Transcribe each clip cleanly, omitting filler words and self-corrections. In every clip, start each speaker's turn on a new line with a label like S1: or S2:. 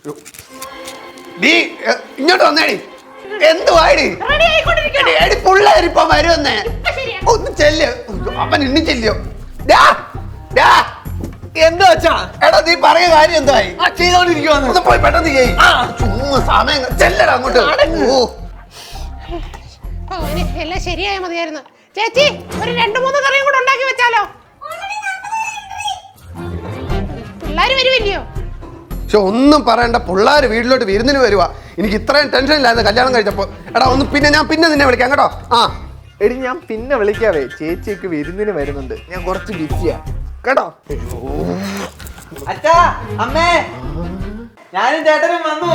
S1: നീ ഇങ്ങോട്ട് വന്നേടി. എന്തുവാടി പിള്ളേരിപ്പൊ വരുമെന്നേ. ഒന്ന് ചെല്ല്. അവൻ ഇനി ചെല്ലോ.
S2: എന്താ വെച്ചാ
S1: എടാ നീ പറഞ്ഞ കാര്യം എന്തായി?
S2: ചെയ്തോണ്ടിരിക്കുവാന്ന്.
S1: ഒന്ന് പോയി പെട്ടെന്ന് ചെയ്യ്. ചുമ്മാ സമയം ചെല്ലടാ അങ്ങോട്ട്.
S3: എല്ലാം ശരിയായ മതിയായിരുന്നു. ചേച്ചി ഒരു 2-3 കറിയും കൂടെ ഉണ്ടാക്കി വെച്ചാലോ? പിള്ളേര് വരുമില്ലയോ?
S1: പക്ഷെ ഒന്നും പറയണ്ട, പിള്ളേർ വീട്ടിലോട്ട് വിരുന്നിന് വരുവാ. എനിക്ക് ഇത്രയും ടെൻഷൻ ഇല്ലായിരുന്നു കല്യാണം കഴിച്ചപ്പോ. എടാ ഒന്ന് ഞാൻ പിന്നെ നിന്നെ വിളിക്കാം കേട്ടോ. ആ
S2: എടി ഞാൻ പിന്നെ വിളിക്കാവേ. ചേച്ചിയൊക്കെ വിരുന്നിന് വരുന്നുണ്ട്, ഞാൻ കുറച്ച് ബിസിയാ കേട്ടോ. അച്ഛാ അമ്മേ, ഞാനും ചേട്ടനും വന്നു.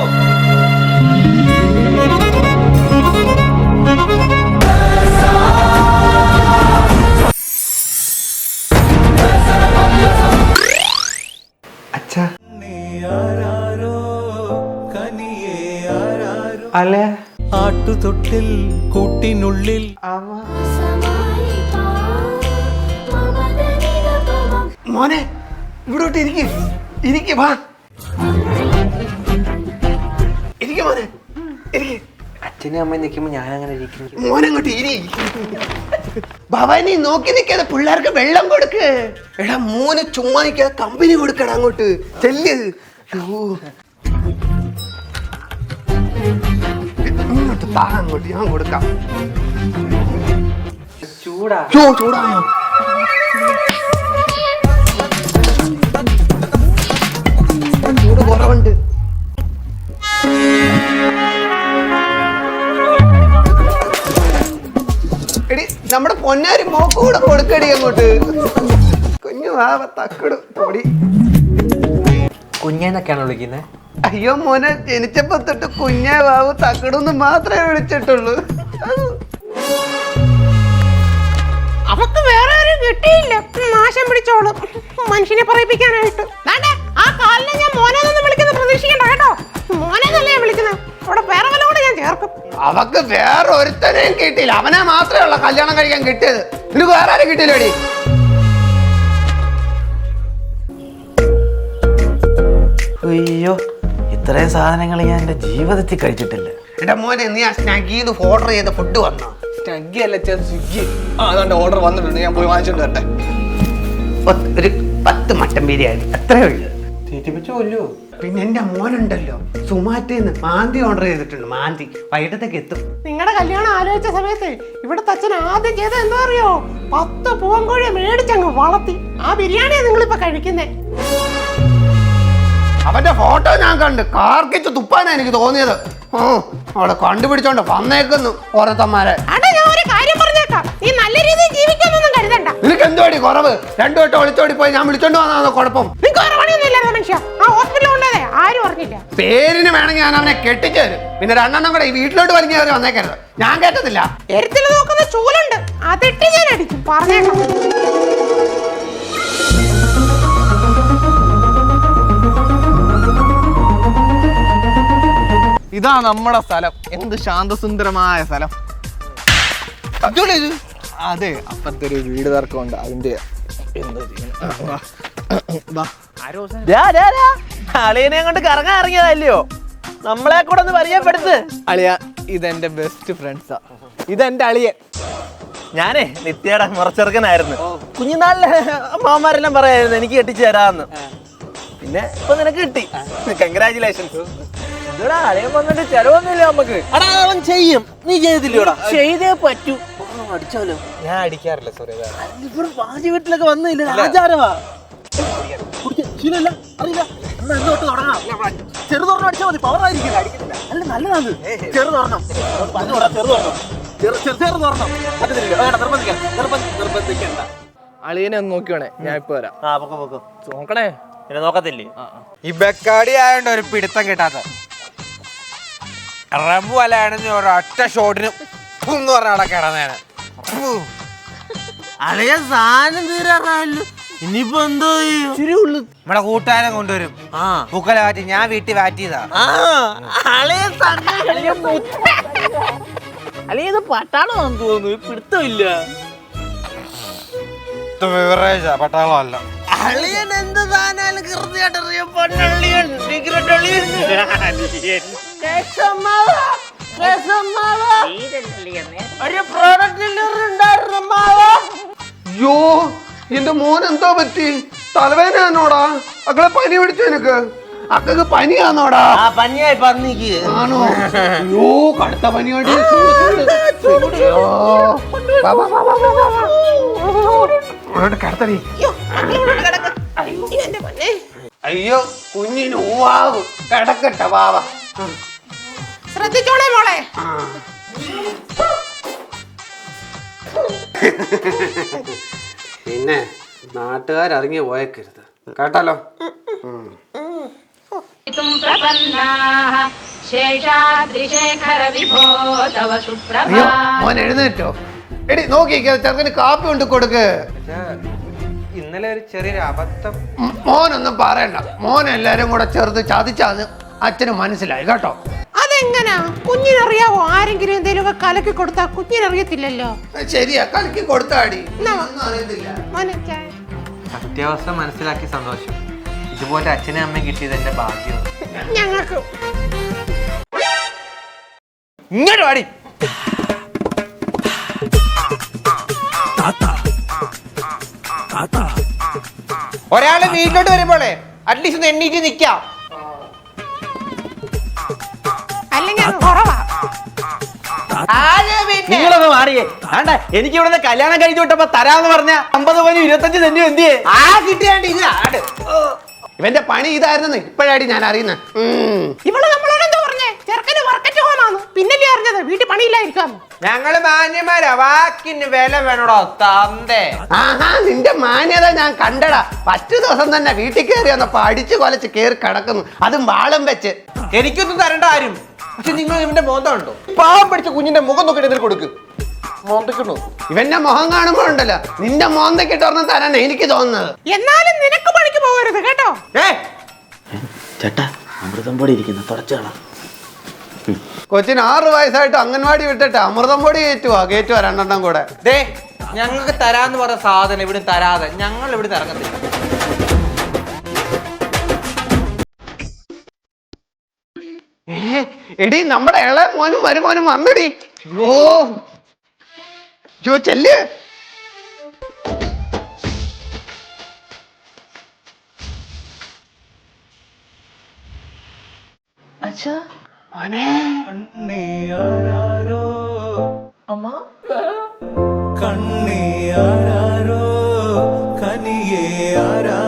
S2: അച്ഛാ അല്ലേ
S4: ആട്ടുതൊട്ടിൽ കൂട്ടിനുള്ളിൽ
S1: മോനെ ഇവിടോട്ട് ഇരിക്ക് വാ. ഇരിക്ക് മോനെ, ഇരിക്ക്.
S2: അച്ഛനും അമ്മയും നിൽക്കുമ്പോ ഞാൻ അങ്ങനെ ഇരിക്കുന്നു.
S1: മോനങ്ങോട്ട് ഇരി. ഭവാനി നോക്കി നിൽക്കാതെ പിള്ളേർക്ക് വെള്ളം കൊടുക്ക്. എടാ മോന് ചുമ്മാ നിൽക്കാതെ കമ്പനി കൊടുക്കടാ അങ്ങോട്ട് ചെല്ല്. ഇങ്ങോട്ട് താ അങ്ങോട്ട്, ഞാൻ കൊടുക്കാം. ചൂടായോ? ചൂട് കുറവുണ്ട്. എടി നമ്മുടെ പൊന്നാരി മോക്ക് കൂടെ കൊടുക്കടി അങ്ങോട്ട്. കുഞ്ഞു വാവ തക്കട് പൊടി.
S2: കുഞ്ഞെന്നൊക്കെയാണ് വിളിക്കുന്നത്?
S1: അയ്യോ മോനെ, ജനിച്ചപ്പോ തൊട്ട് കുഞ്ഞേ വാവ് തക്കടൊന്ന് മാത്രമേ വിളിച്ചിട്ടുള്ളൂ.
S3: അവക്ക് വേറെ ആരും കിട്ടിയില്ല. നാശം പിടിച്ചോളും മനുഷ്യനെ പറയിപ്പിക്കാനായിട്ട്. ആ കാലിനെ ഞാൻ മോനെന്നൊന്നും വിളിക്കുന്നത് പ്രതീക്ഷിക്കണ്ട കേട്ടോ. മോനെന്നല്ലേ ഞാൻ വിളിക്കുന്നത്. അവിടെ വേറെ വല്ല കൂടെ ഞാൻ ചേർക്കും.
S1: അവക്ക് വേറെ ഒരുത്തനെയും കിട്ടിയില്ല, അവനെ മാത്രമേ ഉള്ള കല്യാണം കഴിക്കാൻ കിട്ടിയത്. നിനക്ക് വേറെ ആരും കിട്ടിയില്ലേടി?
S2: അയ്യോ, ഇത്രയും സാധനങ്ങൾ ഞാൻ എന്റെ ജീവിതത്തിൽ കഴിച്ചിട്ടില്ല.
S1: എന്റെ മോനെ, നീ ആ സ്നാഗിന്ന് ഓർഡർ ചെയ്ത ഫുഡ് വന്നോ?
S2: സ്വിഗ്ഗി അല്ല, സ്വിഗ്ഗി. അതാണ്ട് ഓർഡർ വന്നിട്ടുണ്ട്, ഞാൻ പോയി വാങ്ങിച്ചോണ്ട് വരട്ടെ.
S1: ഒരു 10 മട്ടൻ ബിരിയാണി അത്രേ ഉള്ളു.
S2: തീറ്റിപ്പിച്ചു കൊല്ലോ.
S1: പിന്നെ എന്റെ മോനുണ്ടല്ലോ, സുമാറ്റേന്ന് മാന്തി ഓർഡർ ചെയ്തിട്ടുണ്ട്. മാന്തി വൈകിട്ടത്തേക്ക് എത്തും.
S3: നിങ്ങളുടെ കല്യാണം ആലോചിച്ച സമയത്ത് ഇവിടുത്തെ അച്ഛൻ ആദ്യം ചെയ്ത എന്താ അറിയോ? 10 പൂവൻകോഴിയെ മേടിച്ചങ്ങ് വളർത്തി. ആ ബിരിയാണിയാണ് നിങ്ങളിപ്പോ കഴിക്കുന്നേ.
S1: അവന്റെ ഫോട്ടോ ഞാൻ കണ്ട് കാർക്കിച്ച് തുപ്പാനാ എനിക്ക് തോന്നിയത്. അവിടെ കണ്ടുപിടിച്ചോണ്ട് വന്നേക്കുന്നു ഓരോത്തന്മാരെ.
S3: ഞാൻ ഒരു കാര്യം പറഞ്ഞേക്കാം, നീ നല്ല രീതിയിൽ ജീവിക്കാനൊന്നും കരുതണ്ട.
S1: നിനക്ക് എന്തുവാടി കുറവ്? 2 വട്ടം ഒളിച്ചോടി പോയി ഞാൻ വിളിച്ചോണ്ട് വന്നതാണോ കുഴപ്പം?
S3: നിനക്ക് വേറെ പണിയൊന്നും ഇല്ലാതെ മനുഷ്യ. ആ ഹോസ്പിറ്റലിൽ കൊണ്ടതേ ആരും അറിഞ്ഞില്ല.
S1: പേരിന് വേണമെങ്കിൽ ഞാൻ അവനെ കെട്ടിച്ചു തരും. പിന്നെ 2 എണ്ണം കൂടെ ഈ വീട്ടിലോട്ട് വലിഞ്ഞ കയറി വന്നേക്കരുത്. ഞാൻ കേട്ടതില്ല.
S3: എരുത്തിൽ നോക്കുന്ന ചൂലുണ്ട്, അതിട്ട് ഞാൻ അടിക്കും. പറഞ്ഞേക്കാം.
S2: ഇതാ നമ്മുടെ സ്ഥലം. എന്ത് ശാന്തസുന്ദരമായ സ്ഥലം. അതെ, അപ്പുറത്തെ ഒരു വീട് തർക്കമുണ്ട്, അതിന്റെ
S5: അളിയനെ കൊണ്ട് കറങ്ങാൻ ഇറങ്ങിയതല്ലയോ, നമ്മളെ കൂടെ ഒന്ന് പരിചയപ്പെടുത്ത്.
S2: അളിയ, ഇതെന്റെ ബെസ്റ്റ് ഫ്രണ്ട്സാ. ഇതെന്റെ അളിയൻ.
S5: ഞാനേ നിത്യയുടെ മുറച്ചെറുക്കനായിരുന്നു. കുഞ്ഞുനാളിലെ അമ്മമാരെല്ലാം പറയായിരുന്നു എനിക്ക് കെട്ടിച്ചു തരാന്ന്. പിന്നെ ഇപ്പൊ നിനക്ക് കിട്ടി. കൺഗ്രാചുലേഷൻസ്. ഇതോടാ അളിയൻ വന്നിട്ട് ചെലവൊന്നുമില്ല നമുക്ക്. അടാ അവൻ ചെയ്യും, നീ ചെയ്തില്ലോടാ? ചെയ്തേ പറ്റൂ. അടിച്ചാലോ?
S2: ഞാൻ അടിക്കാറില്ല. സോറി,
S5: ഇവിടെ പാചക വീട്ടിലൊക്കെ വന്നില്ല, ആചാരമാ. ശീലല്ല, അറിയില്ല. എന്നാ എന്തോട്ട് തുടങ്ങാം. ചെറുതോർണം അടിച്ചാൽ മതി, പവറായിരിക്കും. അല്ല നല്ലതാണ്. ചെറുതോർണം ചെറുതോർണം നിർബന്ധിക്കണ്ട.
S2: അളിയനെ ഒന്ന് നോക്കിയോണേ, ഞാൻ ഇപ്പൊ വരാം.
S5: ആ പൊക്കോ പൊക്കോ.
S2: നോക്കണേ.
S5: പിന്നെ നോക്കത്തില്ലേ?
S6: ഈ ബക്കാടി ആയോണ്ട് ഒരു പിടുത്തം കിട്ടാത്ത റബു അല്ലാണെന്ന് ഒരൊറ്റ ഷോട്ടിന് എന്ന് പറഞ്ഞ അവിടെ കിടന്നേനെ.
S5: അളിയ സാധനം തീരാറായല്ലോ, ഇനിയിപ്പോ എന്തോ ചെയ്യും?
S6: നമ്മുടെ കൂട്ടുകാരൻ കൊണ്ടുവരും. പൂക്കല മാറ്റി, ഞാൻ വീട്ടിൽ മാറ്റിയതാ.
S5: അളിയ ഇത് പട്ടാളമാണെന്ന് തോന്നുന്നു, പിടുത്തമില്ല.
S6: വിത്ത് ബിവറേജാ പട്ടാളമല്ല.
S5: അളിയൻ എന്ത് താനാലും കൃത്യമായിട്ടറിയാം. പൊന്നളിയൻ സിഗരറ്റ് അളിയൻ. ഒരു പ്രോഡക്റ്റ് ഉണ്ടായിരുന്നു മാവാ.
S1: അയ്യോ എന്റെ മോൻ എന്തോ പറ്റി? തലവേദനയാണോടാ? അക്കളെ പനി പിടിച്ചു എനിക്ക്. അക്കക്ക് പനിയാന്നോടാ?
S5: ആ പനിയായി പന്നിക്ക്.
S1: ആണോ? അയ്യോ കടുത്ത പനിയായിട്ട് കടത്തടി. അയ്യോ കുഞ്ഞിന് ഊവാകും. കിടക്കട്ടെ വാവ.
S3: ശ്രദ്ധിച്ചോളെ മോളെ.
S1: പിന്നെ നാട്ടുകാരിറങ്ങി പോയേക്കരുത് കേട്ടാലോ. അയ്യോ മോൻ എഴുന്നേറ്റോ? എടി നോക്കിക്കോ ചെറുക്കന് കാപ്പി കൊണ്ട് കൊടുക്ക്.
S6: ഇന്നലെ ഒരു ചെറിയൊരു അബദ്ധം.
S1: മോനൊന്നും പറയണ്ട. മോൻ എല്ലാരും കൂടെ ചേർത്ത് ചതിച്ചാന്ന് അച്ഛന് മനസ്സിലായി കേട്ടോ.
S3: അതെങ്ങനാ? കുഞ്ഞിനറിയാവോ? ആരെങ്കിലും എന്തെങ്കിലുമൊക്കെ കലക്കി കൊടുത്താ കുഞ്ഞിനറിയത്തില്ലല്ലോ.
S1: ശരിയാ കലക്കി കൊടുത്താടി.
S3: എന്നാ,
S1: ഒന്നും അറിയത്തില്ല.
S3: മോനെ ചായ.
S6: സത്യാവസ്ഥ മനസ്സിലാക്കി സന്തോഷം. ഇതുപോലെ അച്ഛനും അമ്മയും കിട്ടിയത് എന്റെ ഭാഗ്യമാണ്.
S3: ഞങ്ങൾക്ക്
S6: ഇങ്ങോട്ട് വാടി. ഒരാള് വീട്ടിലോട്ട് വരുമ്പോളേ അറ്റ്ലീസ്റ്റ് ഒന്ന് എണ്ണീറ്റ് നിക്കാം.
S3: അല്ലെങ്കിൽ അത് കുറവാ.
S5: നിങ്ങളൊന്ന് മാറിയേ. വേണ്ട എനിക്ക് ഇവിടുന്ന് കല്യാണം കഴിച്ചു വിട്ടപ്പോ തരാന്ന് പറഞ്ഞ 50 പവനും 25 സെന്റും എന്തിയേ?
S1: ആ കിട്ടിയാണ്ട് ഇത് ആട്. ഇവന്റെ പണി ഇതായിരുന്നു ഇപ്പോഴാടി ഞാൻ അറിയുന്നത്.
S3: ഇവള് നമ്മളോട് എന്താ പറഞ്ഞേ? ചെറുക്കന് വർക്കറ്റ് ഹോമാന്ന്. പിന്നല്ലേ അറിഞ്ഞത് വീട്ടിൽ പണിയില്ലായിരിക്കാം.
S6: ഞങ്ങള് മാന്യന്മാരാ, വാക്കിന് വില വേണോടോ തന്തേ.
S1: ആഹാ നിന്റെ മാന്യത ഞാൻ കണ്ടടാ. 10 ദിവസം തന്നെ വീട്ടിൽ കയറി വന്നപ്പോ അടിച്ചു കൊലച്ച് കയറി കിടക്കുന്നു, അതും വാളും വെച്ച്.
S6: എനിക്കൊന്നും തരണ്ട ആരും. പക്ഷെ നിങ്ങൾ ഇവന്റെ മോന്തം ഉണ്ടോ? പാവം പിടിച്ച കുഞ്ഞിന്റെ മുഖം നോക്കിട്ട് ഇതിൽ കൊടുക്ക്. മോന്തയ്ക്കണോ?
S1: ഇവന്റെ മുഖം കാണുമ്പോ ഉണ്ടല്ലോ നിന്റെ മോന്തക്കിട്ട് ഒരെണ്ണം തരാൻ എനിക്ക് തോന്നുന്നത്.
S3: എന്നാലും നിനക്ക് പണിക്ക് പോകരുത് കേട്ടോ.
S5: ചേട്ടാ അമൃതം പൊടി ഇരിക്കുന്നു, തുടച്ചോളാം.
S1: കൊച്ചിന് 6 വയസ്സായിട്ട് അംഗൻവാടി വിട്ടിട്ട് അമൃതം പൊടി കയറ്റുവാ 2 കൂടെ.
S6: ദേ ഞങ്ങൾക്ക് തരാന്ന് പറഞ്ഞ സാധനം ഇവിടെ തരാതെ ഞങ്ങൾ ഇവിടെ ഇറങ്ങത്തില്ല.
S1: എടി നമ്മുടെ ഇളയ മോനും മരുമോനും വന്നടി. ഓ ചെല്ല്.
S4: കണ്ണേ ആരാരോ കനിയേ ആരാ